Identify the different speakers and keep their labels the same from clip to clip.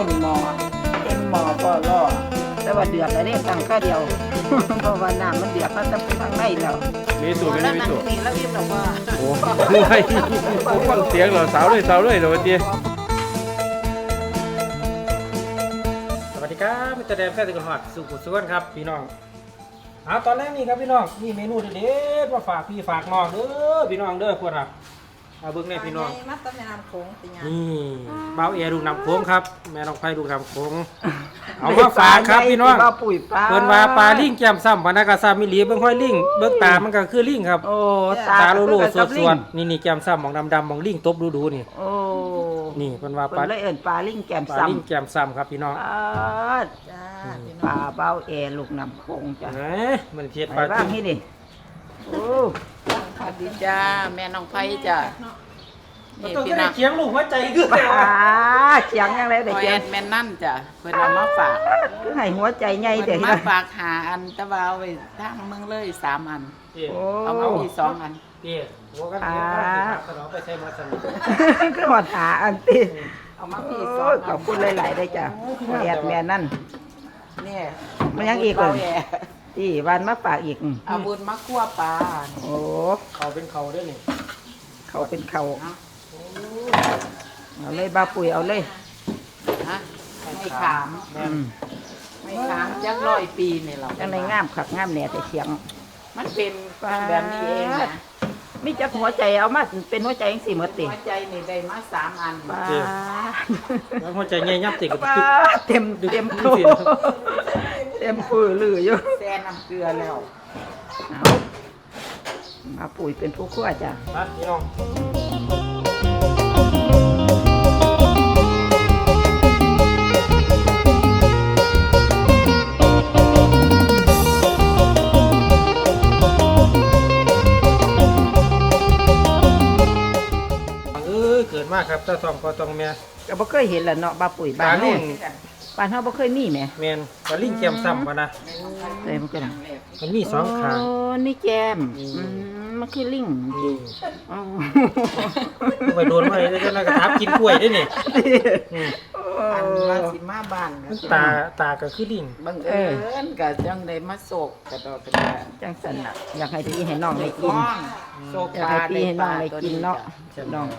Speaker 1: ต้มหม้อเต็มหม้อก็รอแต่ว่าเดือดแล้วเนี่ยตั้งข้าวเดียวเพราะว่าน้ำมันเดือดมันต้องทางในแล้ว
Speaker 2: มีสูตรไม่มีสูตร
Speaker 1: นี่แล้วอิ่มหรอกว่า
Speaker 2: โอ้โหไม่ผมฟังเสียงเหรอสาวเลยเดี๋ยววันนี้สวัสดีครับมิสเตอร์แดนแฟนติกหอดสุขุสุวรรณครับพี่น้องตอนแรกนี่ครับพี่น้องมีเมนูเด็ดๆมาฝากพี่ฝากน้องเด้อพี่น้องเด้อพวกเราเบิ้งแน่พี่น้อง
Speaker 1: มัดต้มยำโค้งติญา
Speaker 2: นี่เบาเอลูกน้ำโค้งครับแม่น้องไผ่ลูกน้ำโค้งเอามาฝากครับพี่น้องเพิ่นว่าปลาลิงแก้มซ้ำพนักกาซามิลีเบิ่งห้อยลิงเบิ่งตามันก็คือลิงครับ
Speaker 1: โอ้
Speaker 2: ตาโลๆสวดๆนี่แก้มซ้ำมองดำๆมองลิงตบดูนี่
Speaker 1: โอ้
Speaker 2: นี่เพิ่นว่า
Speaker 1: เพิ่นเลยเอิ้นปลาลิงแก้ม
Speaker 2: ปลา
Speaker 1: ซ้ำ
Speaker 2: ลิงแก้มซ้ำครับพี่น้อง
Speaker 1: จ้าปลาเบ้าแอลูกน้ำโค้งจ้ะ
Speaker 2: มันเทียด
Speaker 1: ไป
Speaker 2: ปลา
Speaker 1: บ้า
Speaker 2: จิ้
Speaker 1: ง
Speaker 2: ม
Speaker 1: ให้ดิโอ้
Speaker 3: สวัสดีจ้าแม่น้องไผ่จ้า
Speaker 2: มัน
Speaker 3: นี่
Speaker 2: ต้อง
Speaker 3: พี่
Speaker 2: ได้
Speaker 3: น้อง
Speaker 2: เคียงลูกหัวใจคือ
Speaker 1: ปลาเสียงยังไง
Speaker 3: พ
Speaker 1: เด็ก
Speaker 3: อ
Speaker 1: เสี
Speaker 3: แอย
Speaker 1: ง
Speaker 3: นแม่นั่นจ้ะเพิ่นเอามาฝาก
Speaker 1: คือให้หัวใจใหญ่เด็
Speaker 3: เพิ่
Speaker 1: ก
Speaker 3: นมาฝากหาอันแตะวาเอาไว้ทางเมืองเลย3 อัน
Speaker 1: โอ้
Speaker 3: เอามาพี่2 อัน
Speaker 2: พี่หัวกันนี่ขนมไปใส่มาสนิท
Speaker 1: คือหอดหาอันตี
Speaker 3: เอามาพี่
Speaker 1: โอ้ยขอบคุณหลายๆได้จ้ะแอดแม่นั่น
Speaker 3: เนี่ย
Speaker 1: มันยังอีกเหรอ
Speaker 3: เาแย่
Speaker 1: ที่วันมาฝากอีก
Speaker 3: เอาบุญมาคั่วปลา
Speaker 1: โอ้
Speaker 2: เขาเป็นเขาด้วยนี่
Speaker 1: เขาเป็นเขาเอาเลยบาปุ๋ยเอาเลย
Speaker 3: ฮะไม่ขาม
Speaker 1: อืม
Speaker 3: ไม่ขามจัก100 ปีนี่เรา
Speaker 1: จังในงามขักงามแหน่แต่เสียง
Speaker 3: มันเป็นแบบนี้เองนะ
Speaker 1: มีจักหัวใจเอามาเป็นหัวใจจังสี่หมดติ
Speaker 3: หัวใจนี่ได้มา3 อัน
Speaker 1: ป้า
Speaker 2: แล้วหัวใจเงี้ยยับติดกับ
Speaker 1: ป้าเต็มเต็มโตเต็มปื้อลืออยู่
Speaker 3: แซ่น้ำเกลือแล้ว
Speaker 1: เอามาปุ๋ยเป็นผู้คั่วจ้ะ
Speaker 2: มาพี่น้องเกิดมากครับตาทองพอตองแม่
Speaker 1: ก็บ่เคยเห็นแหละเนาะบาปุ๋ย
Speaker 2: ป
Speaker 1: บ้า
Speaker 2: ลาน ลิ
Speaker 1: เฮาง บ้านเฮาบ่เคยมีแหม
Speaker 2: แมนปลาลิงแก้มซ้ำปะนะ
Speaker 1: เลยมันก็น่ะ
Speaker 2: มันมีสองขาง
Speaker 1: โอ้นี่แจมมันคือลิง
Speaker 2: นี่
Speaker 1: อ๋อ
Speaker 2: ไปโดนมาเลยแล้วก็ทับกินกล้วยด้วยนี่
Speaker 3: อันว่าสิมาบ้าน
Speaker 2: ตาก็คือลิง
Speaker 3: บังเอิญก็จังได้มาโศกกระดอกกระเดา
Speaker 1: จังสันน่ะอยากให้พี่ให้น้องได้กิน
Speaker 3: น้องโศก
Speaker 1: อยาก
Speaker 3: ปลา
Speaker 1: ให้พี่ให้น้องได้กินเนาะ
Speaker 2: ใช่ไหม
Speaker 1: น้อง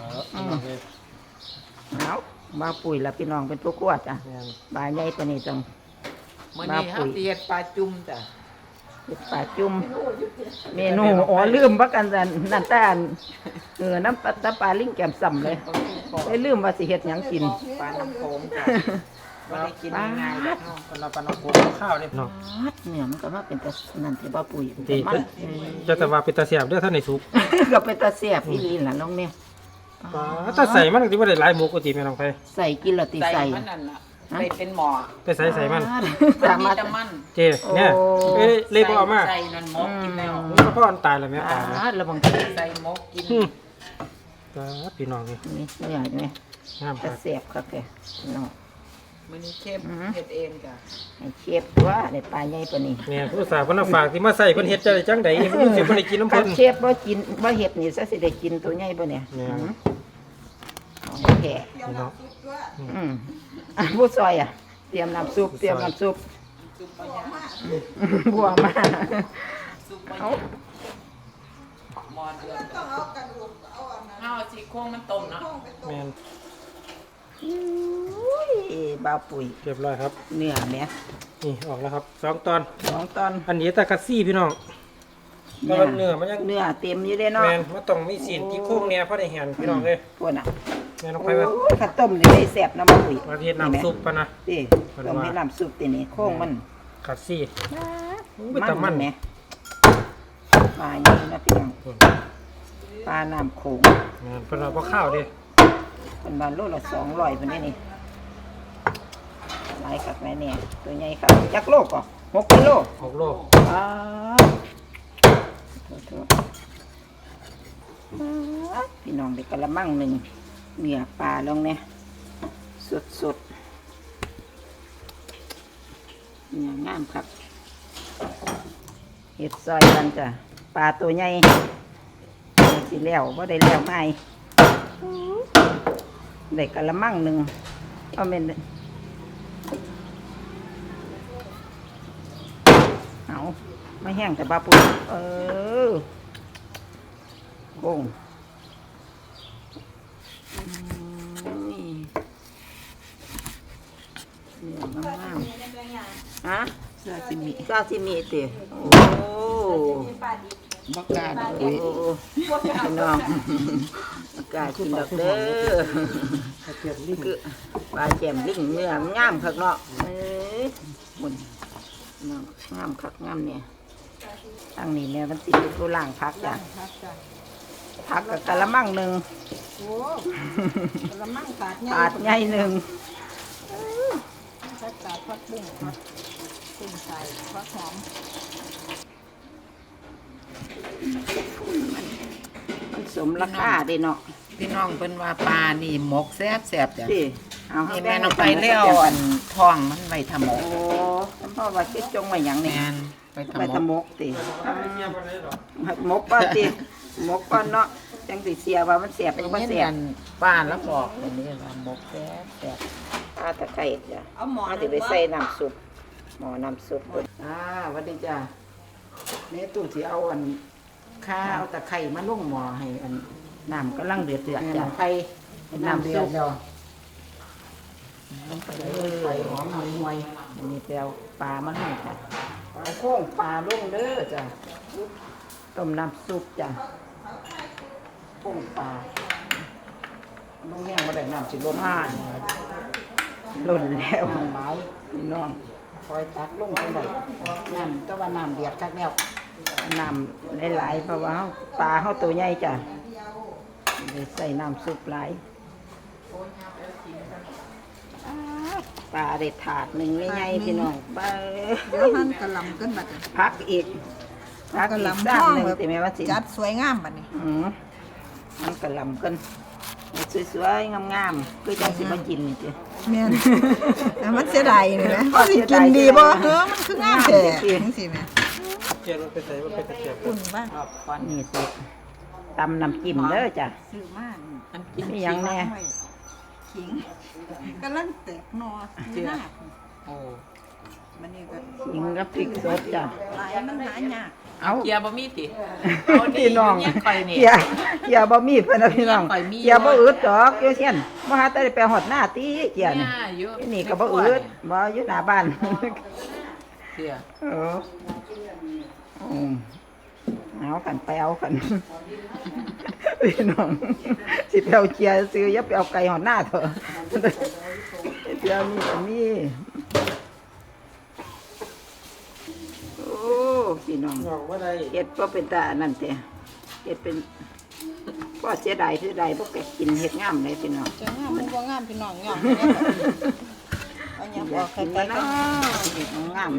Speaker 1: เอามาปุ๋ยละพี่น้องเป็นผู้กวดจ้ะ
Speaker 2: แม่น
Speaker 1: บาใหญ่ตัวนี้จัง
Speaker 3: มื้อนี้เฮาสิเฮ็ดปลาจุ่มจ้ะ
Speaker 1: เฮ็ดปลาจุ่มเมนูอ๋อลืมว่ากันนั่นแต่อันน้ำปลาลิงแก้มซ้ำเลยได้ลืมว่าสิเฮ็ดหยังกิน
Speaker 3: ปลาน้ำโขงจ้ะบ่ได้กินง่ายๆแล้วเนาะ
Speaker 2: ปลาปลาน้ำโขงข้าวเนี่ยพี่น้อง
Speaker 1: เนี่ยมันก็มาเป็นตานั่นที่บ่ปุ๋ย
Speaker 2: ตี
Speaker 1: มัน
Speaker 2: จะแต่ว่าเป็นตาเสียบเด้อท่านในสุก
Speaker 1: ก็เป็นตาแซ่บอีหลีล่ะน้องเนี่ย
Speaker 2: ถ้าใส่มันที่ว่าได้หลายหมูกติแม่น้องไป
Speaker 1: ใส่กินและติ
Speaker 3: ใส่
Speaker 1: ใส่
Speaker 3: มันนั่นน่ะได้เป็นหม้อ
Speaker 2: ไปใส่มัน
Speaker 1: สา
Speaker 3: มี
Speaker 1: มารถ
Speaker 3: แต่มัน
Speaker 2: เจเนี่ยเอ้ยเล่บ่เอามา
Speaker 3: ใส่นั่นหมกกินแล้ว
Speaker 2: มันก็พ่ออันตายแล้วแม่ตายแล้ว
Speaker 1: ระวัง
Speaker 3: ใส่หมกกิน
Speaker 2: พี่น้องนี่
Speaker 1: นี่เนี่ยนี่
Speaker 2: งามค
Speaker 1: ตา
Speaker 2: รับ
Speaker 1: แซ่บครับแกน้อง
Speaker 3: มื้อนี้เข้มเฮ็ดเองจ้ะ
Speaker 1: ให้เชฟตัวได้ปลาใหญ่ปานนี้
Speaker 2: เนี่ยผู้สาวเพิ่นฝากที่มาใส่เพิ่นเฮ็ดจังได๋เพิ่นสิบ่ได้กินน้ำ
Speaker 1: คั
Speaker 2: เพิ่
Speaker 1: น
Speaker 2: น
Speaker 1: เชฟบ่กินบ่เฮ็ดนี่ซะสิได้กินตัวใหญ่บ่เนี่ย
Speaker 2: เนี่ย
Speaker 1: ของแท้
Speaker 2: พี่น้อง
Speaker 1: ผู้ซอยอ่ะเตรียมน้ำซุปเตรียมน้ำซุป
Speaker 3: ซุปปลาย่าง
Speaker 1: บัวมา
Speaker 3: ซุปปลา
Speaker 1: เอา
Speaker 3: ย่างหม้อเดือดเอาซี่โครงมันต้มเนาะ
Speaker 2: แม่น
Speaker 1: อุ้ยบาวปุ๋ย
Speaker 2: เรียบร้อยครับ
Speaker 1: เนื้อแม่
Speaker 2: นี่ออกแล้วครับ2ตอน
Speaker 1: 2ตอน
Speaker 2: อันนี้ตะกัดซี่พี่น้องก็เนื้อมันยัง
Speaker 1: เนื้อเต็มอยู่เด้เนาะ
Speaker 2: แม่นมันต้องมีสีนที่โค้งเนี่ยพอได้เห็นพี่น้องเอ้ย
Speaker 1: พวกน่ะ
Speaker 2: แม่น้อง
Speaker 1: โอ้
Speaker 2: ไปว่า
Speaker 1: ยข้าวต้มนี่ได้แซ่บน้ำปุ๋ย
Speaker 2: มาเฮ็ดน้ำซุปปะนะ
Speaker 1: ติต้มให้น้ำซุปตินี่โค้งมัน
Speaker 2: กัดซี่
Speaker 1: มัน
Speaker 2: แต่มัน
Speaker 1: แหมปลาใหญ่นะพี่น้องปลาน้ำโขง
Speaker 2: แม่นเพิ่นเอาบ่ข้าวเด้
Speaker 1: เป็นบานโลละ200พุ่นนี่นี่หลายคักหลายแน่ตัวใหญ่ครับจักโลก็6กิโล
Speaker 2: 6โล
Speaker 1: อ้าโทษพี่น้องได้กะละมังหนึ่งเนื้อปลาลงเนี่ยสดเนื้องามครับเห็ดซอยกันจ้ะปลาตัวใหญ่สิแล้วว่าได้แล้วไม่ได้กะละมังหนึ่งเอาเป็นไม่แห้งแต่บาปุ๋ยโค้งนี่งามๆฮะ
Speaker 3: ซาซิมิ
Speaker 1: ซาซิมิติโอ้
Speaker 3: บักกาด
Speaker 1: โอ้พี่น้องอากาศกินดอกเด้อ
Speaker 2: เทียมลิ้น
Speaker 1: คือปลาแจ่มลิ่งเนื้องามคักเนาะบุญน้องงามคักงามเนี่ยตั้งนี่แม่มันติดตัวล่างพักจ้ะพักกับกะละมังหนึ่ง
Speaker 3: โอ้กระมังกาด
Speaker 1: ถาดใหญ่หนึ่ง
Speaker 3: กาดพักบุ้งพักกุ้งใส่พักหอม
Speaker 1: มันสมราคาเด้เนาะ
Speaker 3: พี่น้องเพิ่นว่าปลานี่หมกแซ่บจ้ะ
Speaker 1: สิเอา
Speaker 3: นี่แม่น้องไปแล้วอันท้องมันไว้ทำหมก
Speaker 1: โอ้เพราะว่าคิดจงไว้หยัง
Speaker 3: แม
Speaker 1: เนี่ย
Speaker 3: นไป
Speaker 1: ไป
Speaker 3: ทำหม
Speaker 1: ทำ
Speaker 3: ก
Speaker 1: มกติ
Speaker 2: เทียมอะไรหรอ
Speaker 1: หมกป้าติหมกป้าเนาะจังสิเสียว่ามันเสียบ
Speaker 3: ไป
Speaker 1: หรือบ่
Speaker 3: เย็น
Speaker 1: เสีย
Speaker 3: กับ นป้าแล้วบอกอันนี้ว่าหมกแซ่บ
Speaker 1: ปลาตะไคร้จ้ะเอาสิไปใส่น้ำซุปหม้อน้ำซุปสวัสดีจ้ะแม่ตู้สิเอาอันข้าวตะไคร้มาลงหม้อให้อันน้ำกำลังเดือดจ้ะไข่น้ำซุปลงไปเลยใส่หอมห่วยๆอันนี้แปลวปลามาให้จ้ะเอาโค้งปลาลงเด้อจ้ะต้มน้ำซุปจ้ะโค้งปลาลงแห้งมาได้น้ำสิล้นล้นแล้วไม้พี่น้องคอยตักลงไปได้น้ำก็ว่าน้ำเดือดคักแล้วน้ำหลายๆเพราะว่าปลาเขาตัวใหญ่จ้ะเลยใส่น้ำซุปหลายปลาได้ถาดหนึ่งไม่ใหญ่พี่น้องปลา
Speaker 3: เดี๋ยวหั่นกระหล่ำขึ้นบัดนี้
Speaker 1: พักอีกพัก
Speaker 3: กระ
Speaker 1: อี
Speaker 3: ห
Speaker 1: ก
Speaker 3: ล่ำ
Speaker 1: ด้าน
Speaker 3: ท้อง
Speaker 1: หนึ่ง
Speaker 3: แบบ
Speaker 1: ติแม่ว่าสิ
Speaker 3: จัดสวยงามบัดนี้
Speaker 1: มันกระหลำกันสวยๆงามๆคือจังสิมากินนี่จ้ะ
Speaker 3: แม่นแต่มันเสียดายนี่แหละว่าสิกินดีบ่มันคืองามแท้จังซี่แม่
Speaker 2: เทียมมันไปใส่มันเป็นเทียม
Speaker 3: คุณบ้าง
Speaker 1: ก่อนนี่สิตำน้ำจิ้มเด้อจ้ะ
Speaker 3: ซื้อมาอันกิน
Speaker 1: มีหยังแน่
Speaker 3: ขิงกำลังแตกหนอซื้อหน้า
Speaker 2: โอ้
Speaker 3: มันนี่ก็
Speaker 1: ยิงกับพริกสดจ้ะ
Speaker 3: หลายมันหายาก
Speaker 1: เอา
Speaker 4: เกียร์บะมี่ติ
Speaker 1: พี่น้อง
Speaker 4: เนี่ยข่อยนี่
Speaker 1: เกียร์บ่มีเพิ่นนะพี่น้อง
Speaker 4: ข่อยมี
Speaker 1: เกียร์บ่อึดดอกเกียร์เช่นบ่หาแต่ได้ไปฮอดหน้าตีเกียร์นี่
Speaker 4: เนี่ยอยู่
Speaker 1: นี่ก็บ่อึดบ่อยู่หน้าบ้าน
Speaker 4: เสีย
Speaker 1: เออเอาขันไปเอาขัน พี่น้องสิไปเอาเกียร์ซื้ออย่าไปเอาไก่หอดหน้าเถอะเดี๋ยวนี้ก็มีโอ้พี่น้อง
Speaker 2: งอกว่าได้
Speaker 1: เฮ็ดบ่เป็นตาอันนั่นแต่เฮ็ดเป็นก็เสียดายบ่แกกินเฮ็ดงามเลยพี่น้อง
Speaker 3: จะงามมันบ่งามพี่น้องยอมเอาหยัง
Speaker 1: อยา
Speaker 3: อก อก
Speaker 1: กิน
Speaker 3: ไกล
Speaker 1: แล้ว
Speaker 3: ๆกั
Speaker 1: เนาะ
Speaker 3: น
Speaker 1: เฮ็ดงาม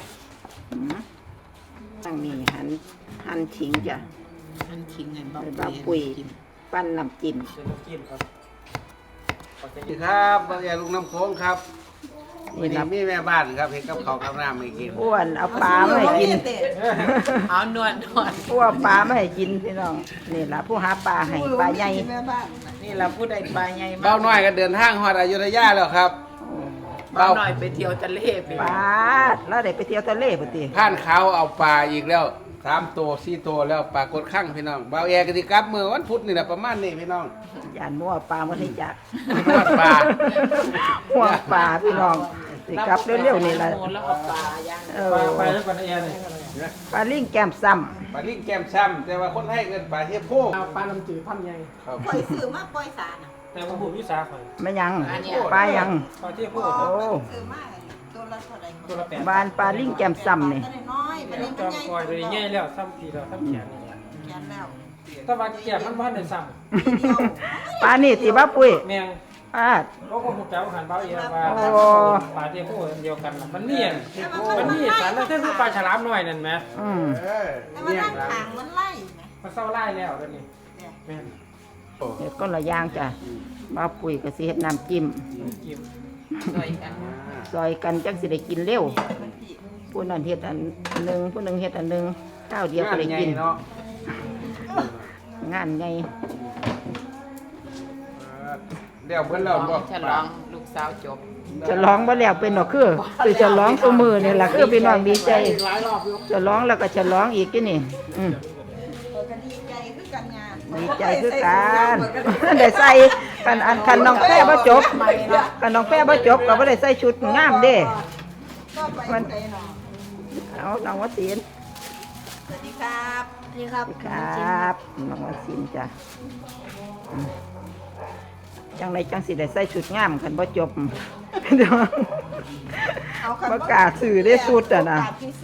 Speaker 1: ตั้งนี้หั่นขิงจ้ะ
Speaker 4: มันคิงไง
Speaker 1: ใส่บาปุ๋ยปั้นน้ำจิ้ม
Speaker 2: เป็นน้ำจิ้มครับ
Speaker 5: สวัสดีครับบางแอลุงน้ำโค้งครับวัน
Speaker 1: นี่
Speaker 5: นี้
Speaker 1: นะ
Speaker 5: มีแม่บ้านครับเห็นกับเขาวกับน้ำไม่กิน
Speaker 1: อ้วนเอาปลามาให้กิน
Speaker 4: เอานวด
Speaker 1: ผู้ว่าปลาไม่ให้กินพี่น้องนี่ล่ะผู้หาปลาให้ปลาใหญ่
Speaker 3: แม่บ้าน
Speaker 4: นี่เราผู้ใดปลาใหญ่
Speaker 5: เบ้าน้อยก็เดินทางฮอดอยุธยาแล้วครับ
Speaker 4: เบาหน่อยไปเที่ยวทะเลไป
Speaker 1: ปลาแล้วได้ไปเที่ยวทะเลพุ่นติ
Speaker 5: ผ่านเขาเอาปลาอีกแล้ว3 ตัว 4 ตัวแล้วปลากดข้างพี่น้องเบาแอกันที่กลับเมื่อวันพุธนี่แหละประมาณนี้พี่น้อง
Speaker 1: ย่านมัวปลามันให้จัก
Speaker 5: นวดปลา
Speaker 1: หัวปลาพี่น้องสิกลับเร็วๆนี่ล่ะ
Speaker 4: แล้วเอาปลาย่าง
Speaker 1: เอ
Speaker 2: ไป
Speaker 1: อ
Speaker 2: แล้วก่อนนะแอนเลย
Speaker 1: ปลาลิงแก้มซ้ำ
Speaker 5: ปลาลิ้งแก้มซ้ำแต่ว่าคนให้เงินปลาเทียบโพก
Speaker 2: เอาปลาลำจืดพันใหญ่
Speaker 5: ครับ
Speaker 3: ปล่อยซื้อมาปล่อยสารน่ะ
Speaker 2: แต่ว่าผมวิสาข่อย
Speaker 1: ไม่ยังปลายัง
Speaker 2: ปลาเทียบพวก
Speaker 1: โอ้
Speaker 3: ซื้อมาตัวละเท่าไหร่
Speaker 2: ตัวละ8
Speaker 1: บานปลาลิงแก้มซ้ำนี่
Speaker 3: น้อยๆมันนี่
Speaker 2: จ
Speaker 3: มั
Speaker 2: อน ม
Speaker 3: ใหญ่
Speaker 2: กอยเลยใหญ่แล้วซ้ำทีแล้วซ้ำแขนนี่
Speaker 3: แขนแล้ว
Speaker 2: ถ้าว่าแขนมันบ้านได้ซ้
Speaker 1: ปลานี่ที่บ้าปุ้ย
Speaker 2: ำแมง
Speaker 1: ปลา
Speaker 2: เขาก็หูแก้วหันเบาเอียว่า
Speaker 1: โอ้
Speaker 2: ปลาเทียบพวกเดียวกันน่ะมันนี่มันนี่สารแล้วถ้าคือปลาฉลามน้อยนั่นไหม
Speaker 1: อืม
Speaker 5: เออ
Speaker 3: แต่ว่า
Speaker 5: เนี่ย
Speaker 3: ด้าน
Speaker 5: ครับ
Speaker 3: ข้างมันไล่ไง
Speaker 2: มันเศร้าไล่แล้วตอนนี้แม่น
Speaker 1: เฮ็ดก้นละอย่างจ้ะบ้าปุ้ยก็สิเฮ็ดน้ำจิ้ม
Speaker 2: กิน
Speaker 4: สวยกัน
Speaker 1: ซอยกันจังสิได้กินเร็ว
Speaker 3: มันพี่
Speaker 1: ผู้นั้นเฮ็ดอันหนึ่งผู้หนึ่งเฮ็ดอันหนึ่งข้าวเดียวก็ได้กิน
Speaker 5: งาใหญ่เนาะ
Speaker 1: งานไง
Speaker 5: เดี๋ยวเพิ่นเราบอก
Speaker 4: ฉลองลูกสาวจบ
Speaker 1: จะร้องบ่แล้วเป็นดอกคือจะร้องตัวมือนี่ล่ะคือพี่น้องดีใจ
Speaker 2: หลายรอบอยู่
Speaker 1: จะร้องแล้วก็จะร้องอีกที่นี่ดีใจคือกันได้ใส่คันน้องแป้บ่จบคันน้องแป้บ่จบก็บ่ได้ใส่ชุดงามเด้มันเอาน้องวศิลป์
Speaker 4: สวัสดีครับสวัสดีครับ
Speaker 1: ครับน้องวศิลป์จ้ะจังไดจังสิได้ใส่ชุดงามคันบ่จบประกาศสื่อได้สุดอ่ะนะ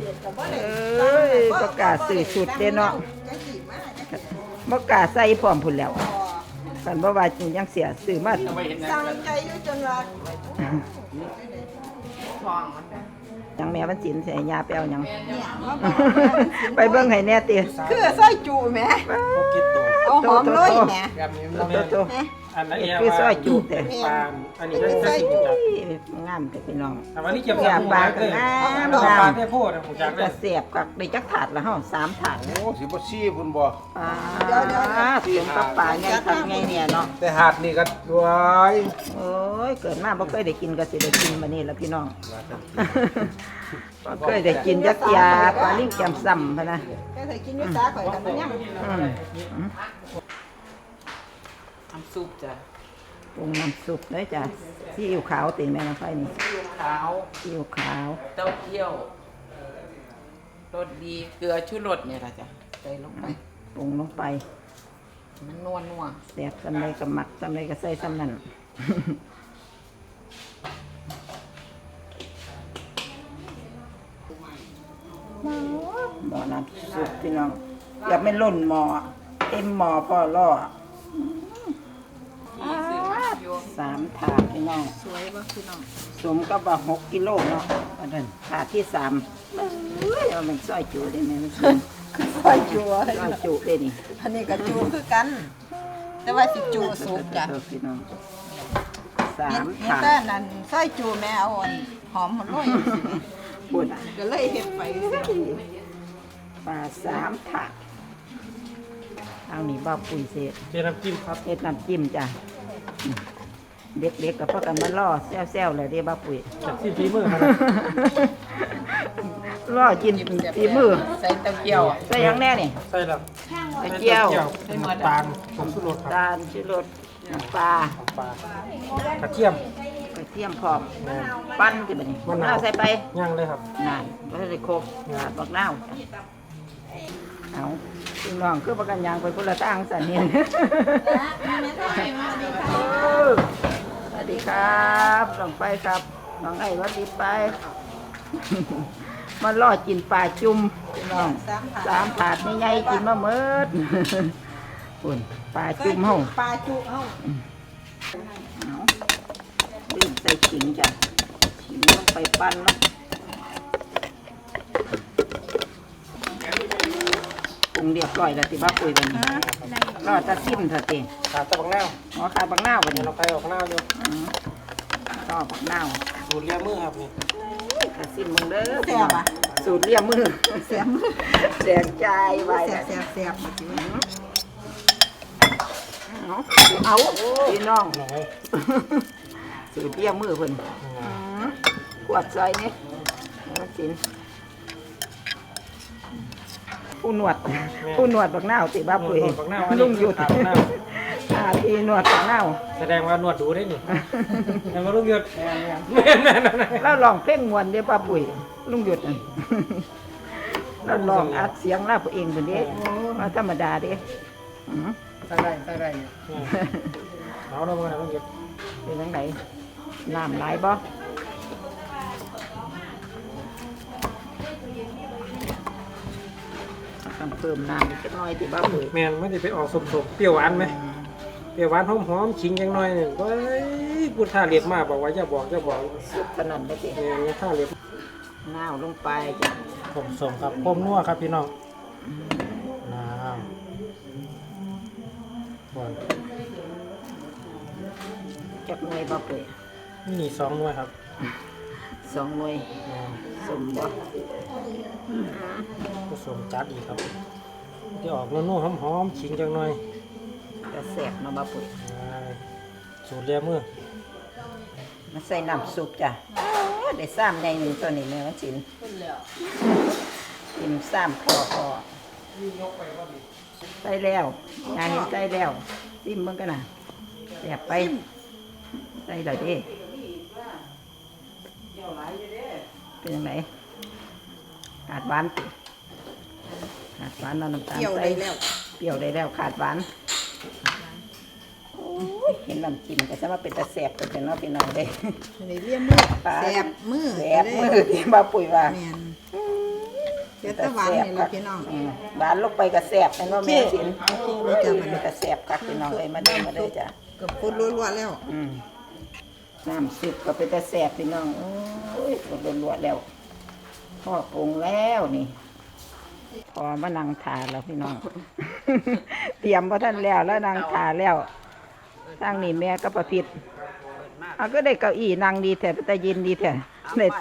Speaker 1: ประกาศสื่อสุดเด้เนาะประกาศใส่พร้อมพุ่นแล้วคันบ่ว่ายังเสียสื่อมา
Speaker 4: สั่งใจอยู่จนว่าทองมัน
Speaker 1: ยังแม่วันศิลป์ใส่ยาไปเอาหยัง
Speaker 4: เนี่ย
Speaker 1: ไปเบิ่งให้แน่ติ
Speaker 4: คือซอยจูแหม
Speaker 2: พวกกินตัว
Speaker 4: เอาหอมเลยแหม
Speaker 5: แบบนี้
Speaker 1: โต
Speaker 2: อันนั้น
Speaker 1: คือซอยจุแต่
Speaker 2: ปลาอันนี้ได้ได้กินจาก
Speaker 1: งามแต่พี่น้อง
Speaker 2: แต่วันนี้เก็บ
Speaker 1: อยากปลา
Speaker 2: เล
Speaker 1: ก็
Speaker 2: ย
Speaker 1: งาม
Speaker 2: ปลาง
Speaker 1: าม
Speaker 2: ได้พูดผมจากเล
Speaker 1: กระ
Speaker 2: ย
Speaker 1: เสียบกับได้จักถาดละเฮา3ถาด
Speaker 5: โอ้สิบ่ซี่พุ่นบ่
Speaker 1: ปลาเสียงปลาไงทำไงเนี่ยเนาะ
Speaker 5: แต่หาดนี่ก็ว้าย
Speaker 1: โอ้ยเกิดมาบ่เคยได้กินก็สิได้กินบัดนี้ล่ะพี่น้องบ่เคยได้กินจักยาปลาลิ้งแจ่มซ้ำพะนะ
Speaker 4: แกใส่กินอยู่ซาข่อยกันมันยัง
Speaker 3: น้ำซุปจ้ะ
Speaker 1: ปรุงน้ำซุปเลยจ้ะซีอิ๊วขาวติแม่น้องไฟนี่
Speaker 3: ขาว
Speaker 1: ซีอิ๊วขาว
Speaker 3: เต้าเจี้ยวรสดีเกลือชูรสเนี่ยล่ะจ้ะใส่ลงไป
Speaker 1: ปรุงลงไป
Speaker 3: มันนัวนัว
Speaker 1: แซ่บซำใดก็หมักซำใดก็ใส่ซำนั้นหม้อน้ำซุปพี่น้องอย่าไม่ล้นหม้อเต็มหม้อพอล่อ
Speaker 3: มีซื้อมาอยู่
Speaker 1: 3 ถาดพี่น้อง
Speaker 4: สวยบ่พี่น้อง
Speaker 1: สมกับว่า6 กิโลเนาะอันนั้นถาดที่3เอ้ยเอามันซอยจุได้ไหมมันซอยจุได้นี่
Speaker 4: อันนี้ก็จูคือกัน แต่ว่าสิจูสุกจ้ะ
Speaker 1: เออพี่น้อง
Speaker 4: เห็น
Speaker 1: 3 ถา
Speaker 4: แต่
Speaker 1: ด
Speaker 4: นั่นซอยจูแม่เอาอันหอมหมดเลย
Speaker 1: ปุ่น
Speaker 4: ก็เลยเฮ็ดไป
Speaker 1: ปลา3 ถาดทางนี้บ่าวปุ๋ยเสร็จ
Speaker 2: เจน้ำจิ้มครับ
Speaker 1: เฮ็ดน้ำจิ้มจ้ะเด็กๆกับพ่อกันมาล่อแซวๆเลยเด้บ่าวปุ๋ย
Speaker 2: จากที่ฝีมือครับ
Speaker 1: ล่อกินฝีมือ
Speaker 3: ใส่เต้าเจี้ยว
Speaker 1: ใส่หยังแน่นี่
Speaker 2: ใส่แล้ว
Speaker 1: ใส่เจียว
Speaker 2: น้ำตาลผงชูรสครับ
Speaker 1: ตาลชูรสน้ำปลา
Speaker 2: ปลากระเทียม
Speaker 1: กระเทียมพร้อมปั้นสิบัดนี้มะนาวใส่ไป
Speaker 2: ย่างเลยครับ
Speaker 1: นั่นบ่ได้โคกขาดบักนาวเอาพี่น้องคือประกันยางไปคนละทางสันเนี่ยสวัสดีครับน้องไปครับน้องไอ้สวัสดีไป มาล่อกินปลาจุ่มพี่น้อง3 ถาดใหญ่ๆกินมาเมิดปุ่นปลาจุ่มเฮา
Speaker 4: ปลาจุเฮา
Speaker 1: เอาลืมใส่ขิงจ้ะขิงลงไปปั้นเนาะปรุงเรียบร้อยแล้วสิบ้าปุ๋ยวันนี้รอจะซิมเถอะติ
Speaker 2: ขาตะบักแนว
Speaker 1: หมอขาบักนาววัน
Speaker 2: เดี๋ย
Speaker 1: นี้
Speaker 2: วเราไปออกหน้าอยู่
Speaker 1: รอบักนาว
Speaker 2: ดูดเลียมือครับนี่
Speaker 1: จะซิมมึงเด้อพี่น้องสูตรเลียมมือ
Speaker 4: เสียม
Speaker 1: แดงใจไว้
Speaker 4: แซ่
Speaker 1: แล้ว
Speaker 4: บแซ่บ
Speaker 1: เอาพี่น้อง
Speaker 2: หน่อย
Speaker 1: สูตรเลียมมือเพิ่นขวดซอยนี่มาสินผู้หนวดบักนาวติบ้าปุ๋ย
Speaker 2: บักแนวอันนี้
Speaker 1: ลุงหยุด
Speaker 2: ขาบักแนว
Speaker 1: ทีหนวดบักนาว
Speaker 2: แสดงว่านวดดูได้นี่แต่ว่าลุงหยุด
Speaker 1: แล้วลองเพลงมวนเด้ป้าปุ๋ยลุงหยุดนั่นแล้วลองอัดเสียงเล่าเองคนเด้มาธรรมดาเด้อือ
Speaker 5: ใส่ได้
Speaker 2: เอาเรามาลุงหยุด
Speaker 1: เป็นจังไดน้ำหลายบ่ต้องเพิ่มน้ำอีกสักหน่อยที่ป้าปุ๋ย
Speaker 2: แมนไม่ได้ไปออกสมๆเปรี้ยวหวานไหมเปรี้ยวหวานหอมๆขิงยังน้อยหนึ่งเว้ยพูดท่าเรียบมากบอกว่าอย่าบอก
Speaker 1: สุดขนาดนี้สิ
Speaker 2: แมนท่าเรียบ
Speaker 1: น้าวลงไปจ้ะ
Speaker 2: สมครับพมนัวครับพี่น้องน้ำก่อน
Speaker 1: จักหน่วยป้าปุ๋ย
Speaker 2: นี่2 หน่วยครับ
Speaker 1: 2 หน่วยสมบ่
Speaker 2: ผสมจัดอีกครับที่ออกนัวๆหอมๆขิงจังหน่อย
Speaker 1: จะแซ่บเนาะป้าปุ๋ย
Speaker 2: สูตรเลียมือ
Speaker 1: นมาใส่น้ำซุปจ้ะได้ซ้ำในหนึ่งตัวนี้แม่วันศิลป์กินซ้ำพอใส่แล้วงานเห็นใส่แล้วซิมมึงกันนะแสบไปใส่เลยดิเป็นยังไงขาดหวานติขาดหวานเอาน้ำตาล
Speaker 4: เกี่ยว
Speaker 1: ใส่
Speaker 4: ได้แล้ว
Speaker 1: เปรี้ยวได้แล้วขาดหวานโอ้ยเห็นน้ำจิ้มก็จะมาเป็นตะแสบตัวเป็นเนาะพี่น้องเด้
Speaker 4: ในเลี่ยมมือแสบมือ
Speaker 1: แสบมือที่มาปุ๋ยว่า
Speaker 4: แม่นเดี๋ยวตะหวานนี่ล่ะพี่น้อง
Speaker 1: หวานลงไปก็แสบเป็นว่าแม่สิน
Speaker 4: โอเคเลยจ้ะมัน
Speaker 1: เป็นตะแสบคักพี่น้องเอ้ยมาเด้อมาเด้อจ้ะ
Speaker 4: กับคนรัวๆแล้ว
Speaker 1: น้ำซุปก็เป็นตะแสบพี่น้องโอ้ยหมดรวดแล้วพ่อปรุงแล้วนี่พอมานั่งทานแล้วพี่น้อง เตรียมพอท่านแล้วแล้วนั่งทานแล้วทางนี้แม่ก็ประพิดเอาก็ได้เก้าอี้นั่งดีแท้แต่ยินดีแท้เน็ต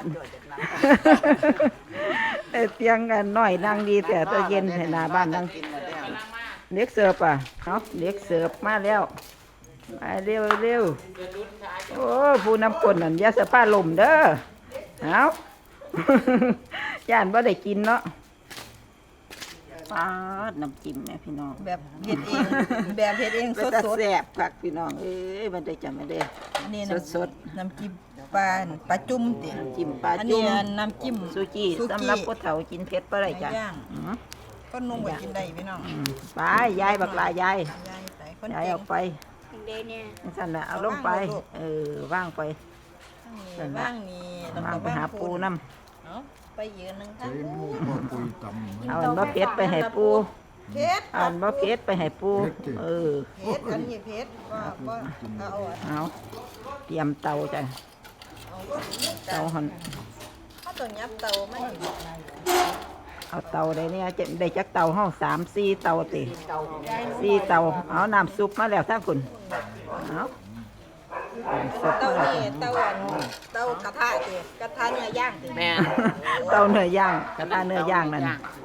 Speaker 1: เตียงกันน้อยนั่งดีแท้แต่เย็นให้หน้าบ้านนั่งเล็กเสิร์ฟอ่ะเนาะเล็กเสิร์ฟมาแล้วมาเร็วเร็วโอ้ผู้นำคนนั่นอยาสะพ้าลมเด้อเอา ย่านบ่ได้กินเนาะปาดน้ำจิ้มแม่พี่น้อง
Speaker 4: แบบเฮ็ดเองแบบเฮ็ดเอง
Speaker 1: เป็น
Speaker 4: ส
Speaker 1: ตา
Speaker 4: ด
Speaker 1: แสบคักพี่น้องเอ้ยมันได้จำไม่ได้
Speaker 4: ๆอันนี้
Speaker 1: สด
Speaker 4: น้ำจิ้มปลาจุ่มติ
Speaker 1: จิ้มปลา
Speaker 4: อัน
Speaker 1: จุ่
Speaker 4: นี้
Speaker 1: ม
Speaker 4: น้ำจิ้ม
Speaker 1: ซูจิสำหรับผู้เฒ่ากินเผ็ดบ่ได้จ้ะ
Speaker 4: ย่าง
Speaker 1: อืม
Speaker 4: ก็นุ่มกว่ากินได้พี่น้อง
Speaker 1: ไปยายบักลายาย
Speaker 4: ยายใส่คน
Speaker 1: ยาย
Speaker 4: เก่
Speaker 1: เอา
Speaker 4: ง
Speaker 1: ไปสั่นน่ะเอาลงไป ว่างไป
Speaker 4: ว่างนี่แล้ว
Speaker 1: ว่าง
Speaker 4: ก็
Speaker 1: ไปหาปูน้
Speaker 4: เอาไปยืนหนึงทั้ง
Speaker 1: ำเอาอันบ่เผ็ดไปให้ปู
Speaker 4: เพชร
Speaker 1: เอาอันบ่เผ็ดไปให้ปูเออ
Speaker 4: เพชรอันนี้เพชรว่าเอาอัน
Speaker 1: เอาเตรียมเตาจ้ะ
Speaker 4: เอา
Speaker 1: เตาหัน
Speaker 4: เขาต้องยับเตามัน
Speaker 1: เอาเตาได้เนี่ยจะได้จักเตาห้อง3-4 เตาติ4 เตาเอาน้ำซุปมาแล้วทั้งคุณเอาน้ำซุป
Speaker 4: เตา
Speaker 1: มาแล้ว
Speaker 4: นี่เตาอันเตากระทะติกระทะเนื้อย่างติ
Speaker 3: แม่น
Speaker 1: เตาเนื้อย่างกระทะเนื้อย่างนั่น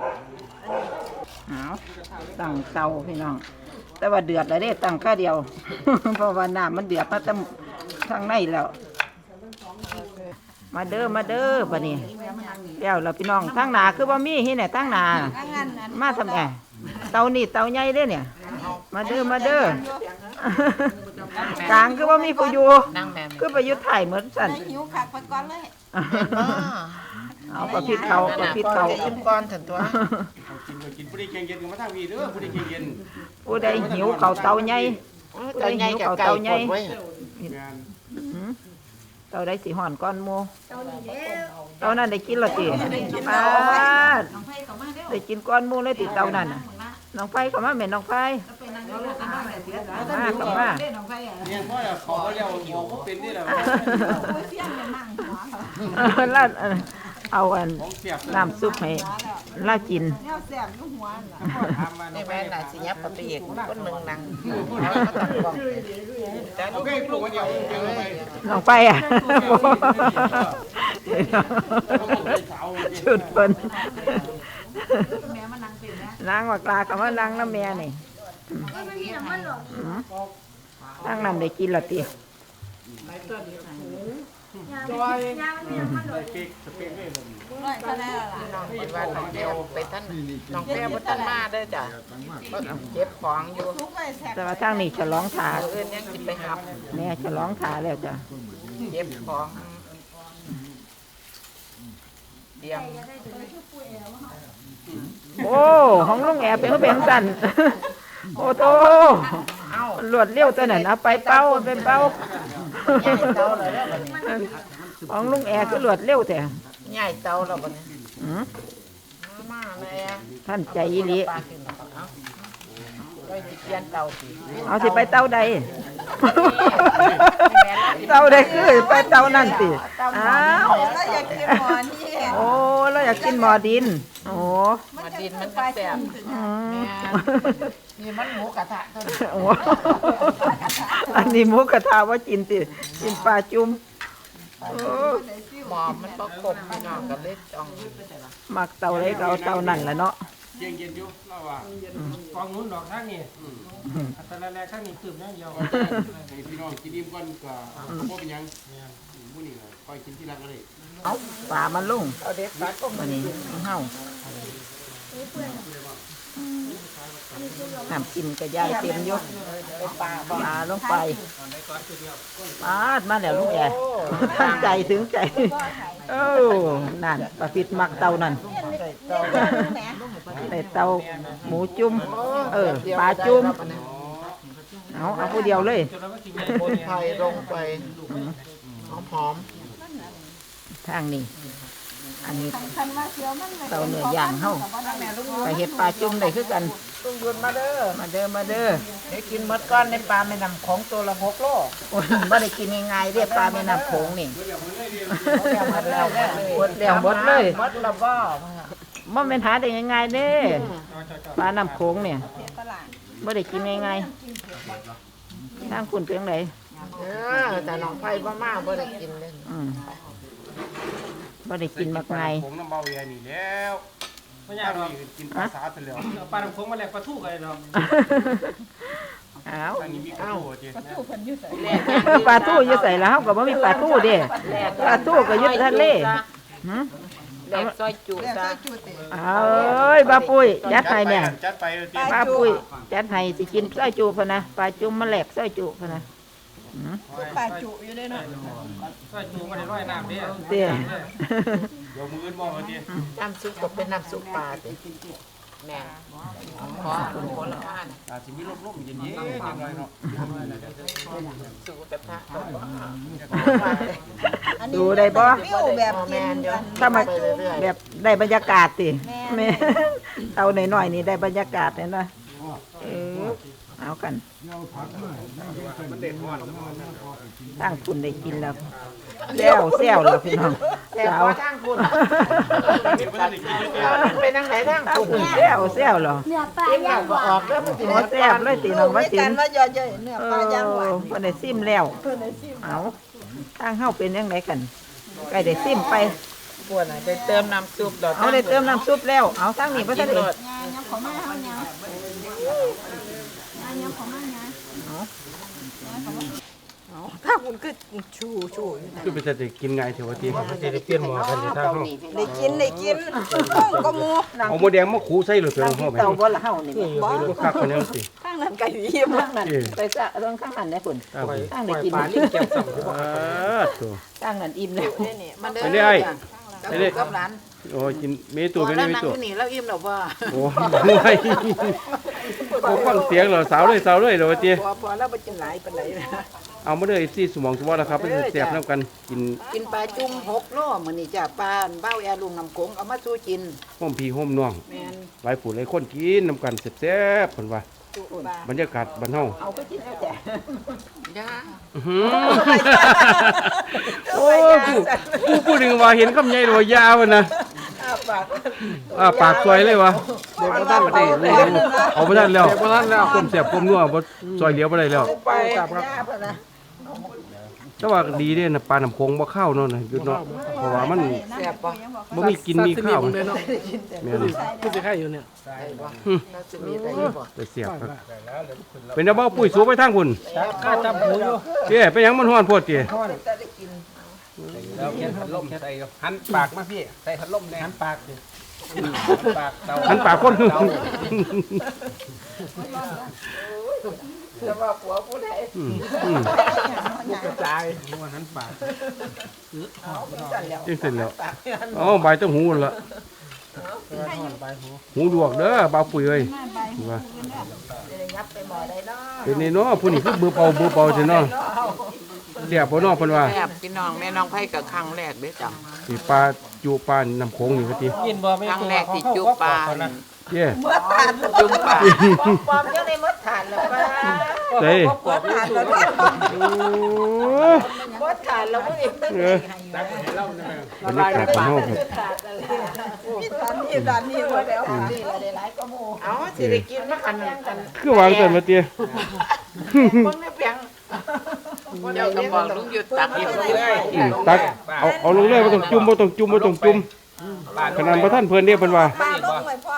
Speaker 1: เอาตั้งเตาพี่น้อง แต่ว่าเดือดแล้วเด้ตั้งแค่เดียว เพราะว่าน้ำมันเดือดมาตั้งข้างในแล้ว มาเด้อมาเด้อบัดนี้แล้วเราพี่น้องทั้งหนาคือบ่มีที่ไหนทั้งหนามาทำแอเตานี่เตาใหญ่เด้อเนี่ย มาเด้อมาเด้อกลางคือว่ามีผู้อยู่
Speaker 3: นั่งแม่
Speaker 1: คือไปอยุดถ่ายเหมือนสั่น
Speaker 4: หิวคักไปก่อนเลย
Speaker 1: เอาประพิดเขาประพิดเขา
Speaker 4: กินก่อนถึงตัว
Speaker 5: กินผู้ใดเก่งเย็นก็มาทางวีเด้อผู้ใดเก่งเย็น
Speaker 1: ผู้ใดหิวเขาเตาใหญ่ผู้ใดหิวเขาเตาใหญ่เตาใดสิห่อนก้อนหมูเตานั้นได้กินและติป้าดได้กินก้อนหมูเลยติเตานั้นน่ะน้องไฟเข้ามาแม่น้องไฟมาเข้ามา
Speaker 5: เนี่ยพ่อขอเรียกบอกว่าเป็นนี่แหละ
Speaker 1: ลาดเอาอัน
Speaker 5: ของเสียบ
Speaker 1: น้ำซุปให้ลากิน
Speaker 3: นี่แม่น่ะสิยับไปอีกคนหนึงนั่งแล้วก็ตั้งกล้องแต่
Speaker 5: โอเคปลูกมันเดียวเดียวไป
Speaker 1: น้องไฟอ่ะชุดเปิ้นนางว่ากลากับว่านางน้ำแม่นี่ตั้งนั้นได้กินละตี
Speaker 3: น้องคิดว่าน้องเดียวไปท่านน้องแก้วบ่ทันมาเด้อจ้ะก็เก็บของอยู่
Speaker 1: แต่ว่าทั้งนี้ฉลองถา
Speaker 3: เอื่นยังสิไปหับ
Speaker 1: แม่ฉลองถาแล้วจ้ะ
Speaker 3: เก็บของเตรียม
Speaker 1: โอ้ของลุงแอบเป็นเขาเป็นสั่นโอ้โตหลวดเลี้ยวตัวนั้นเอาไปเป้าไปเป้าของลุงแอบคือหลวดเลี้ยวแต่
Speaker 3: ใหญ่เตาแล้วบัดนี้ มาแม่
Speaker 1: ท่านใจอีหลี
Speaker 3: ปลาขึ้นเอาก็สิเปลี่ยนเตาสิ
Speaker 1: เอาสิไปเตาใด เตาใดคือไปเตานั่นสิอ้าว
Speaker 4: ก็อยากกินหมอนี่
Speaker 1: โอ้เราอยากกินหมอดินโอ้
Speaker 3: มาดินมันก็แซ่บ
Speaker 1: อืม
Speaker 3: นี่มันหมูกระทะตัวนี้
Speaker 1: โอ้อันนี้หมูกระทะว่ากินสิกินปลาจุ่มโอ้
Speaker 3: หมอมันประกบพี่น้องกับเล็กอ่อง
Speaker 1: มักเตาไรก็เอาเตานั่นแหละเนาะ
Speaker 5: เก่งเย็นอยู่เล่าว่า
Speaker 2: กองนู้นดอกข้างนี่อัตราแรกข้างนี้ตื่มอย่างเดียว
Speaker 5: ให้พี่น้องกินอิ่มก่อนก็บ่เป็นหยังมื้อนี้ค่อยกินที่รักก็ได้
Speaker 1: เอาปลามันลง
Speaker 3: เอาเด็ดปลาก็
Speaker 1: วันนี้เฮาน้ำกินกระยายเต็มยก
Speaker 3: ปลา
Speaker 1: ปลาลงไปปาดมาแล้วลูกแอตั้งใจถึงใจเออนั่นปลาพิษมักเตานั่นในเตาหมูจุ่มปลาจุ่มเอาผู้เดียวเลย
Speaker 3: คนไทยลงไปหอม
Speaker 1: ทางนี้อันนี้เตาเนื้อย่างเฮาไปเฮ็ดปลาจุ่มได้คือกัน
Speaker 3: ๆต้องยืนมาเด้อ
Speaker 1: มาเด้อมาเด้อ
Speaker 3: ให้กินหมดก้อนในปลาแม่น้ำของตัวละ6 โล
Speaker 1: โอ้ยบ่ได้กินง่ายๆเด้ปลาแม่น้ำโขงนี่
Speaker 3: หมดแล้ว
Speaker 1: หมดแล้วหมดเลย
Speaker 3: หมดแล้วบ่
Speaker 1: บ่แม่นหาได้ง่ายๆเด้ปลาน้ำโขงเนี่ยบ่ได้กินง่ายๆทางคุณเพียงได
Speaker 3: แต่น้องไผ่บ่มาบ่ได้กินเลย
Speaker 1: บ่ได้กินมักง่าย
Speaker 5: ผมน้ำเบาแย่นี่แล้ว
Speaker 2: ไม่ยากหรอก
Speaker 5: กินปลาสาซะแล้ว
Speaker 2: เอาปลาน้ำโขงมาแลกปลาทูกันเลยเนาะ
Speaker 1: อ้าว
Speaker 5: ทางนี้มีกระทู้ติ
Speaker 1: ปลาทูอยู่ใส่แล้วเฮาก็บ่มีปลาทูเด้ปลาทูก็อยู่ทะเลหึ
Speaker 3: แหลกซอยจุ
Speaker 4: เรียก
Speaker 3: จ้ะ
Speaker 4: ใส่จุดติ
Speaker 1: เอ้ยบ้าปุ้ยจัดให้แม่
Speaker 5: จัดไปเลยติ
Speaker 1: ป้าปุ้ยจัดให้สิกินซอยจูพะนะปลาจุ่มมาแหลกซอยจูพะนะ
Speaker 4: ปลาจุอยู่ด้วยเนาะ
Speaker 2: ก็จูมาในร้อยน้ำเด้
Speaker 1: เตี้ย
Speaker 5: เดี๋ยวมื้ออื่นบ่ว่าติ
Speaker 3: น้ำซุปก็เป็นน้ำซุปปลาติแม่ขอผลไม้
Speaker 5: อาจสิมีลมๆเย็นๆจังหน่อยเนาะ
Speaker 3: สูกระทะ
Speaker 1: ดูได้บ่
Speaker 4: ฟิวแบบกินกัน
Speaker 1: ถ้ามาแบบได้บรรยากาศติแม่เอาหน่อยๆนี่ได้บรรยากาศเลยนะเอากันตั้งคุณได้กินแล้วแซวแล้วพี่น้อง
Speaker 3: แต่
Speaker 1: สาว
Speaker 3: พอทางคุณเป็นทางไหนทาง
Speaker 1: ตั้ง
Speaker 3: คุณ
Speaker 1: คุณแซวเหรอ
Speaker 3: กินแล้วก็ออกแล้วมันสิ
Speaker 1: โอ้แซวเลยตีน้องว่า
Speaker 4: ด้วย
Speaker 1: ติ
Speaker 4: กัน
Speaker 1: น
Speaker 4: ว่าย่อยๆเนื้อปลาย่างหวาน
Speaker 1: เพิ่นได้ซิมแล้วเอาทางเฮาเป็นยังไงกันใกล้ได้ซิมไป
Speaker 3: ปวดน่ะได้เติมน้ำซุปดอก
Speaker 1: เอาได้เติมน้ำซุปแล้วเอาทางนี้บ่ทันได้
Speaker 4: ถ้าคุณคือชูอยู่นะ
Speaker 5: คือเป็นจะกินง่ายเถอะว่าติ
Speaker 2: จะได้เปลี่ยนหมอกันอยู่ทางเฮา
Speaker 4: ได้กินห้องก็หมู
Speaker 5: เอาหมูแดงมาขูใส่เลยเพิ่น
Speaker 1: ทาง
Speaker 5: เฮา
Speaker 1: ที่
Speaker 5: ไป
Speaker 1: เตาบ่ละเฮานี่
Speaker 2: บ่
Speaker 5: บ่คักปานนั้นติ
Speaker 4: ข้างนั้นไก่ยิ้ม
Speaker 1: ทางนั้นไปซะเรื่องข้างนั้นได้พุ่น
Speaker 5: ตามไป
Speaker 1: ทางได้กิน
Speaker 2: ปลาลิ้นแก้มซ้ำ
Speaker 5: ตัว
Speaker 1: ทางนั้นอิ่มแล้ว
Speaker 3: นี่มันเด้
Speaker 5: ไปเลยไปเลย
Speaker 3: กับหลาน
Speaker 5: โอ้ยกินเมตัวเป็น
Speaker 3: แล้ว
Speaker 5: เม
Speaker 3: นั่ง
Speaker 5: ตัว
Speaker 3: อยู่นี่แล้วอิ่มแล้วบ่
Speaker 5: โอ้ยบ่ฟังเสียงเหรอสาวเลยเหรอว่าติ
Speaker 3: พอแล้วบ่กินหลายปานใดนะ
Speaker 5: เอามาเด้อ FC สมองสมองแล้วครับเป็นแซ่บนํกันกิน
Speaker 3: กินปลาจุ่ม6 โลมื้อนี้จ้ะปลาเบ้าแอลุงน้ำโขงเอามาสู้กิน
Speaker 5: ห้อมพี่ห้อมน้อง
Speaker 3: แม่น
Speaker 5: หลายผู้หลายคนกินนํกันแซ่บๆเพิ่นว่า
Speaker 3: จุปลา
Speaker 5: บรรยากาศบ้านเฮา
Speaker 1: เอาก็กินแล้วจ้ะ
Speaker 3: ย่า
Speaker 5: อื้อหือโอ้กูพูดถึงว่าเห็นคำใหญ่เลยว่ายาวอะนะปากซอยเลยวะเดี๋ยวบ่ทันได้เอาบ่ทันแล้วก้มเสียบก้มนัวบ่ซอยเหลียวบ่ได้แล้ว
Speaker 3: ไป
Speaker 5: แต่ว่าดีเด้นะปลาน้ำโขงบ่ข้าวเนาะนะหยุดเนาะเพราะว่ามัน
Speaker 3: แซ่บบ่
Speaker 5: บ่มีกินมีข้าวแม่น
Speaker 2: ผู้สิไข่อยู่เนี่ย
Speaker 3: ได้บ่น่าจะมีได้บ่
Speaker 5: แต่เสียบครับเป็นเอาเบ้าปุ๋ยสูบไปทางพุ่น
Speaker 2: ข้าจับหูอยู่
Speaker 5: เจ้ไปหยังมันฮ้อนโพดติ
Speaker 2: แล้วเขียนพัดลมใส่
Speaker 5: หันปากมาพี่ใส่พัดลมแน่
Speaker 2: หันปากสิ
Speaker 5: ปากเตาหันปากคนคือ
Speaker 3: จะว่าผัวผู้ใด
Speaker 2: กระจายหัวหันปาก
Speaker 5: จังเสร็จแล้วอ๋อใบต้องหูนั่นละ
Speaker 2: ปลายหู
Speaker 5: หูดวกเด้อบ่าวปุ๋ยเอ้ยว่าเป็นนี่เนาะผู้นี้คือเบอร์เป่าซื่อเนาะเสียบบ่เนาะเพิ่นว่า
Speaker 3: แซ่บพี่น้องแม่น้องไผกับครั้งแรกเด้อจ้ะ
Speaker 5: สิปลาจุปลาน้ำโขงนี่ว่าติ
Speaker 2: ยินบ่ไม่ตัวเขานะ
Speaker 5: เย้
Speaker 4: เมื่อทาน
Speaker 3: จุ่มปลา
Speaker 1: ปอมยังได้มดฐานแล้วป้า
Speaker 5: เด้
Speaker 4: เมื่อทานแล้วเนี่ย
Speaker 5: โอ้
Speaker 1: มดฐานแล้วบ่อีก
Speaker 5: เออบรรยากาศบ้านเฮาครับ
Speaker 4: มีดานนี่ว่าแล้ว
Speaker 3: เอาสิได้กินมากันกัน
Speaker 5: คือวางกันว่าติ
Speaker 3: คนไม่เพียงเดี๋ยวก็บอกลุงหยุดตักอีกเลย
Speaker 5: ตักเอาลงเลยบ่ต้องจุ่มขนาดบ่ทันเพิ่นเด้เพิ่นว่า
Speaker 4: ปลาลงไว้พร้อม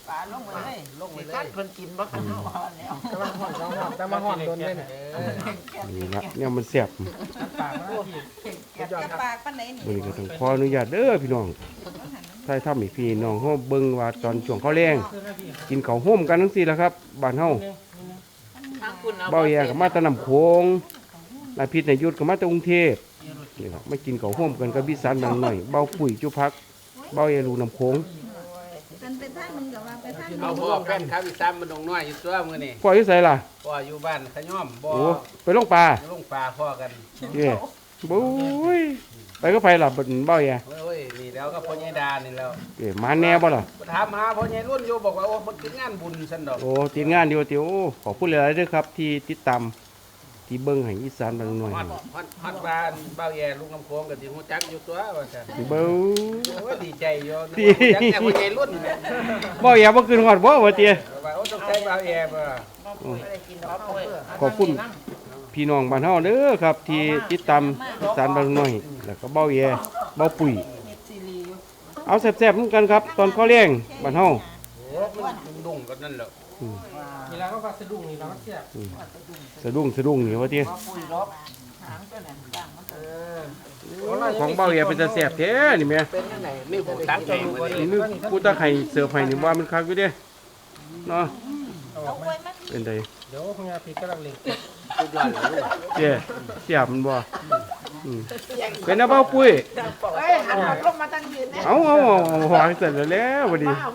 Speaker 4: ปลาลงไปเลย
Speaker 3: ลงไปเลยเพิ่นกินบ่กันเฮา
Speaker 2: กำลังห่อนแต่มาห่อนโดนเลย
Speaker 5: นี่ละเนี่ยมันแซ่บ
Speaker 2: ปากมันพี่
Speaker 4: จะปากปานไหนนี่
Speaker 5: มื้อนี้ก็ต้องขออนุญาตเด้อพี่น้องถ้าทำให้พี่น้องเฮาเบิ่งว่าตอนช่วงข้าวแรงกินข้าวโฮมกันจังซี่ล่ะครับบ้านเฮา
Speaker 3: ทางคุณเอา
Speaker 5: เบ้าแย่ก็มาแตะน้ำโขงนายพิษนายยุทธก็มาแตะกรุงเทพนี่ล่ะมากินข้าวโฮมกันกับพี่สานบางหน่อยเบ้าปุ๋ยจุพักเบ้าแย่ลูกน้ำโขง
Speaker 4: มันเป็นทางนึงก็ว่าไปทาง
Speaker 6: เอาพ่อแฟนครับอีสานมันดงน้อยอยู่ตัวมื้อนี้
Speaker 5: พ่ออยู่ไสล่ะ
Speaker 6: พ่ออยู่บ้านขย่อมบ่
Speaker 5: โอ้ไปลงปลา
Speaker 6: ลงป่าพ่อกัน
Speaker 5: เย้บุ้ยไปก็ไปล่ะเบิ่นเบ้าแย่
Speaker 6: โอ้ยนี่แล้วก็พ่อใหญ่ดานี่แล้ว
Speaker 5: เอ้มาแน่บ่ล่ะ
Speaker 6: ถามหาพ่อใหญ่รุ่นอยู่บอกว่าโอ้มันกินงานบุญซั่นดอก
Speaker 5: โอ้ทีมงานเดียวติโอ้ขอบคุณหลายๆเด้อครับที่ติดตามที่เบิ่งให้อีสานบางหน่อย
Speaker 6: ฮอดบ้านเบ้าแย่ลุงน้ำโขงก็สิฮู้จักอยู่ตัวว่าซั่น
Speaker 5: เบ้า
Speaker 6: โอ้ยดีใจอยู่
Speaker 5: ดี
Speaker 6: จักแต่พ่อใหญ่รุ่นแหละ
Speaker 5: เบ้าแย่บ่ขึ้นฮอดบ่ว่าติ
Speaker 6: ว่าโอ้ต้องใช้เบ้าแย่บ่
Speaker 5: ขอบคุณพี่น้องบ้านเฮาเด้อครับที่ติดตามอีสานบางหน่อยแล้วก็เบ้าแย่เบ้าปุ๋ยเอาแซ่บๆเหมือนกันครับ ตอนข้าวแรงบ้านเฮา
Speaker 6: โอ้มันดุ้งกันนั่นแหละ
Speaker 2: นี่แล้วก็ฟักสะดุ้งนี่แล้วก็เสียบ
Speaker 5: สะดุ้งนี่ว่าติ
Speaker 4: ปุ๋ยรบหางตัวนั้นต่างมัน
Speaker 5: ของเบ้าแย่เป็นตาแซ่บแท้นี่แม่
Speaker 6: เป็นจังไดมีผู้ตักใจมื้อนี้
Speaker 5: นี่ผู้ตาไข่เสิร์ฟให้นี่ว่ามันคักอยู่เด้เนาะ
Speaker 2: เอาออกไหม
Speaker 5: เป็นได
Speaker 2: เดี๋ยวคุณยาพีกำลังเล็ง
Speaker 6: สุดยอดเลยลูก
Speaker 5: เจ้เสียบมันบ่เป็นเอาเบ้าปุ้ย
Speaker 3: เฮ้ยหันหลังลงมาทางยืนเนี่ย
Speaker 5: เอาหางเสร็จแล้วบัดนี้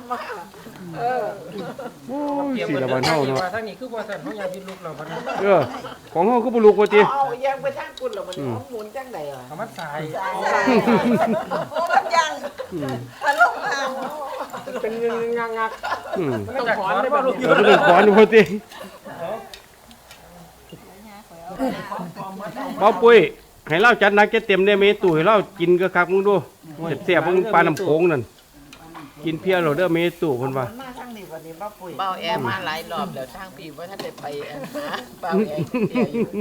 Speaker 5: โอ้ยสิละบ้านเฮาเนาะ
Speaker 2: ทางนี้คือบ่สั่นของยาพีลูกเราพนัน
Speaker 5: ของเฮาคือบ่ลูกว่าติ
Speaker 3: เอายังไปทางคุณเหรอมันหมุนจังได๋อ่ะ
Speaker 2: เอามันสาย
Speaker 4: โอ้มันยังตะลงทาง
Speaker 2: เป็นงัก
Speaker 5: อืม
Speaker 2: ๆต้องถอนได้บ่ลูก
Speaker 5: เราเป็นขอนอยู่พอติเบ้าปุ้ยให้เราจัดหนักจัดเต็มได้เมตู่ให้เรากินก็คักมึงดูเสียบๆมึงปลาน้ำโขงนั่นกินเพียเราเด้อเมตู่เพิ่นว่า
Speaker 3: มาทางนี้วันนี้บ่ปุ๋ยเบาแอร์มาหลายรอบแล้วทางพี่บ่ทันได้ไปหาเบาแอร์เดียวอยู่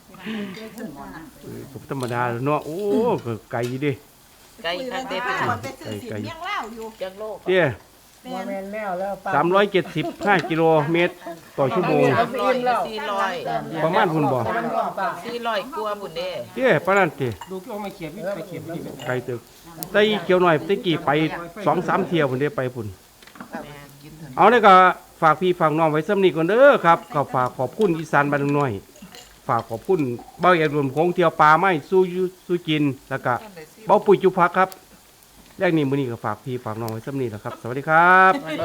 Speaker 5: ก็ธรรมดาเนาะโอ้ก็ไกลอยู่ดิ
Speaker 3: ไกลทางเด็ด
Speaker 4: คนไปซื้อสิเลี้ยงเหล้าอยู่
Speaker 3: จังโลก
Speaker 5: เตี้ย
Speaker 2: บ่แม่นแล้วแล้วปลา
Speaker 5: 375กิโลเมตรต่อชั่วโมง
Speaker 3: 400
Speaker 5: ประมาณพุ่นบ่
Speaker 3: 400กว่าพุ่นเด้
Speaker 5: เตี้ยปานนั้นติ
Speaker 2: ดูก็ไม่เขียบไปเขียบที่
Speaker 5: ไกลตึกแต่อีเขียวหน่อยตะกี้ไป 2-3 เที่ยวพุ่นได้ไปพุ่นเอาได้ก็ฝากพี่ฝากน้องไว้ซ้ำนี้ก่อนเด้อครับก็ฝากขอบคุณอีสานบ้านน้อยฝากขอบคุณเบ้าแย่รวมของเที่ยวปลาไม้สู้กินแล้วก็เบ้าปุ๋ยจุพักครับแรกนี้มื้อนี้ก็ฝากพี่ฝากน้องไว้ซ้ำนี้แหละครับสวัสดีครับ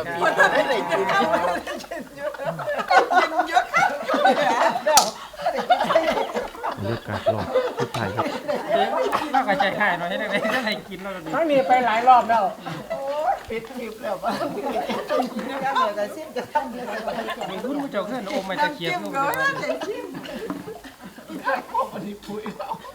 Speaker 5: บรรยากาศรอบสุดท้ายครับ
Speaker 2: เราก็ใจหายหน่อยให้ได้ได้กินแล้วทั้งนี้ไปหลายรอบแล้ว
Speaker 3: ปิดคลิปแล้วบ่
Speaker 4: ก็เลยก็สิ้นจะทำเลย
Speaker 2: มีคุณผู้เจ้าขึ้นโอมมาตะเขียบลูก
Speaker 4: ก็
Speaker 2: เดียว
Speaker 4: ว่าจะชิม